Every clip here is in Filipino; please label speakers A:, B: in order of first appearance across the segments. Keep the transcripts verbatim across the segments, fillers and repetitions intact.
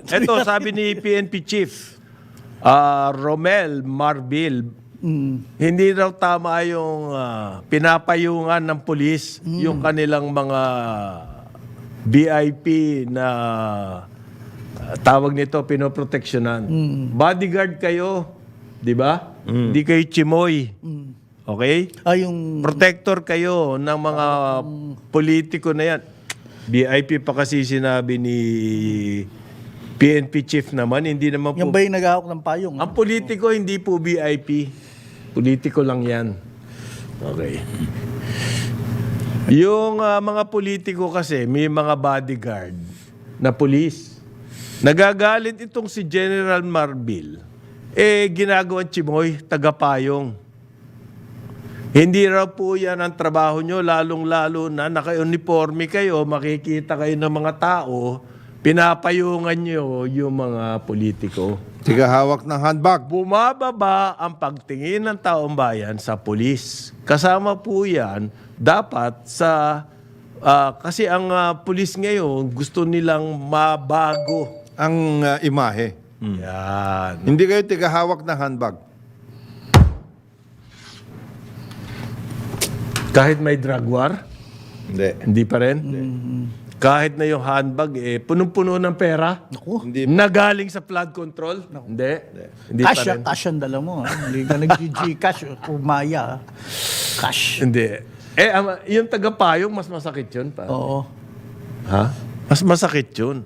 A: Eto, sabi ni P N P Chief, ah, Romel Marbil, hindi raw tama yung ah, pinapayungan ng pulis yung kanilang mga V I P na ah, tawag nito, pinoproteksyonan. Bodyguard kayo, di ba? Hindi kayo chimoy. Okay?
B: Ah, yung...
A: Protector kayo ng mga politiko na yan. V I P pa kasi sinabi ni P N P Chief naman, hindi naman
B: Yung
A: po...
B: ba yung naghahawak ng payong?
A: Ang politiko, hindi po V I P. Politiko lang yan. Okay. Yung ah, mga politiko kasi, may mga bodyguard na pulis. Nagagalit itong si General Marbil. Eh, ginagawang chimoy, tagapayong. Hindi raw po yan ang trabaho nyo, lalong-lalo na naka-uniforme kayo, makikita kayo ng mga tao, pinapayungan nyo yung mga politiko.
C: Tiga hawak ng handbag.
A: Bumababa ang pagtingin ng taong bayan sa pulis. Kasama po yan, dapat sa... ah, kasi ang ah, pulis ngayon, gusto nilang mabago.
C: Ang uh, imahe.
A: Yan.
C: Hindi kayo tiga hawak ng handbag.
A: Kahit may drug war,
C: Hindi.
A: hindi pa rin. Kahit na yung handbag, eh, punong-puno ng pera.
B: Naku.
C: Hindi.
A: Nagaling sa flood control? Hindi. Hindi pa
B: Cash,
A: rin.
B: ah, cash ang dala mo. ah. Hindi ka nag-G-cash o maya. ah. Cash.
A: Hindi. Eh, ama, yung tagapayong, mas masakit yun. Pa.
B: Oo.
A: Ha? Mas masakit yun.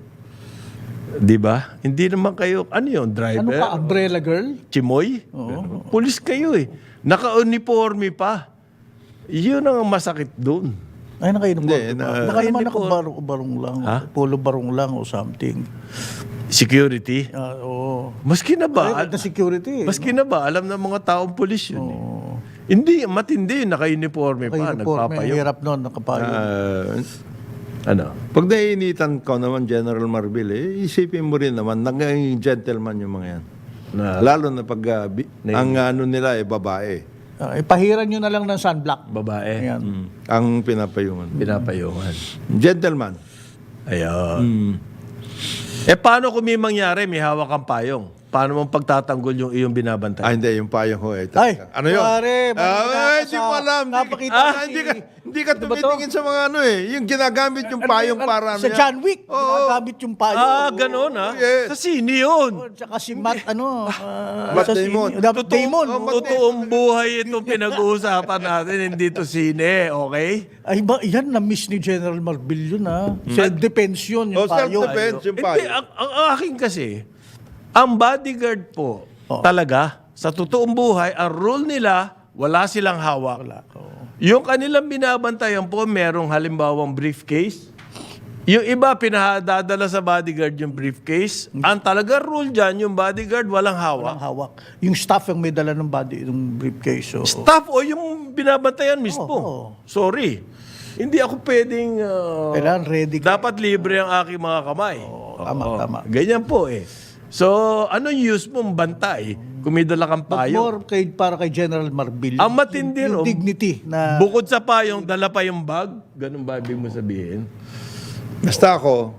A: Di ba? Hindi naman kayo, ano yun, driver?
B: Ano pa, umbrella girl?
A: Chimoy? Pulis kayo eh. Naka-uniforme pa. Yun ang masakit doon.
B: Ay, nakain mo.
C: Hindi,
B: Diba?
C: na-
B: Naka naman
A: naka-uniform.
B: nakabarong lang.
A: Ha?
B: Polo barong lang o something.
A: Security?
B: Ah, oo.
A: Maski na ba?
B: Ay, na security.
A: Maski na ba? Alam ng mga taong pulis yun eh. Hindi, matindi. Naka-uniforme pa.
B: Naka-uniforme.
A: Nagpapayo.
B: Hirap nun, nakapayong.
C: Ah,
A: Ano?
C: pag naiinitan ko naman, General Marbil, eh, isipin mo rin naman, naging gentleman yung mga yan.
A: Na,
C: Lalo na pag ah, bi- ang ano nila eh, babae.
B: Ah, ipahiran nyo na lang ng sunblock.
A: babae.
B: Ayan.
C: Mm. Ang pinapayungan.
A: Pinapayungan.
C: Gentleman.
A: Ayun.
C: Mm.
A: Eh, paano kung may mangyari, may hawak kang payong? Paano mong pagtatanggol yung iyong binabantay?
C: Ah, hindi, yung payong ho eh.
B: Ay,
C: ano yun?
B: pare,
C: Ah,
B: mali
C: hindi
B: ka
C: mo
B: sa-
C: alam. Hindi-
B: napakita
C: Ah,
B: ko si-
C: hindi ka, hindi ka
B: Ano ba to?
C: tumitingin sa mga ano eh. Yung ginagamit yung payong
B: Ano,
C: para ano
B: sa
C: yan.
B: John Wick,
C: Oo.
B: ginagamit yung payong.
A: Ah, ganun ha?
C: Yes.
A: Sa sini yun.
B: Tsaka si Matt, ano, ah,
C: Matt
B: sa
C: Damon.
B: sini- Dapat Damon.
C: oh, Matt
A: Totoong buhay itong pinag-uusapan natin, hindi to sine, okay?
B: Ay ba, yan na-miss ni General Marbil yun, ha? Self-defense yun, yung
C: Oh,
B: payong.
C: self-defense yung
A: Hindi,
C: payong.
A: ang, ang akin kasi, ang bodyguard po,
B: Oh.
A: talaga, sa totoong buhay, ang rule nila, wala silang hawak. Yung kanilang binabantayan po, merong halimbawang briefcase. Yung iba, pinahadadala sa bodyguard yung briefcase. Ang talaga rule dyan, yung bodyguard, walang hawak.
B: Ang hawak. Yung staff yung may dala ng body, yung briefcase. So,
A: Staff o yung binabantayan mismo.
B: Oo.
A: Sorry. Hindi ako pwedeng... uh,
B: kailangan ready ka.
A: dapat libre ang aking mga kamay.
B: Tama,
A: Oo.
B: tama.
A: Ganyan po eh. So, anong use mong bantay kung may dala kang
B: But
A: payong?
B: more kay, para kay General Marbil.
A: Ang matindi
B: yung, yung
A: ro,
B: dignity na...
A: Bukod sa payong, dala pa yung bag. Ganun ba ibig mo sabihin?
C: Basta ako,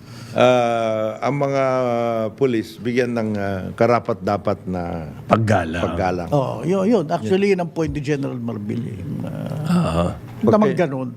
C: ah, ang mga pulis, bigyan ng ah, karapat-dapat na
A: Paggalang.
C: paggalang.
B: Oh, yun, yun. Actually, yun ang point ni General Marbil. Eh. Uh,
A: Ah.
B: Tamang ganun.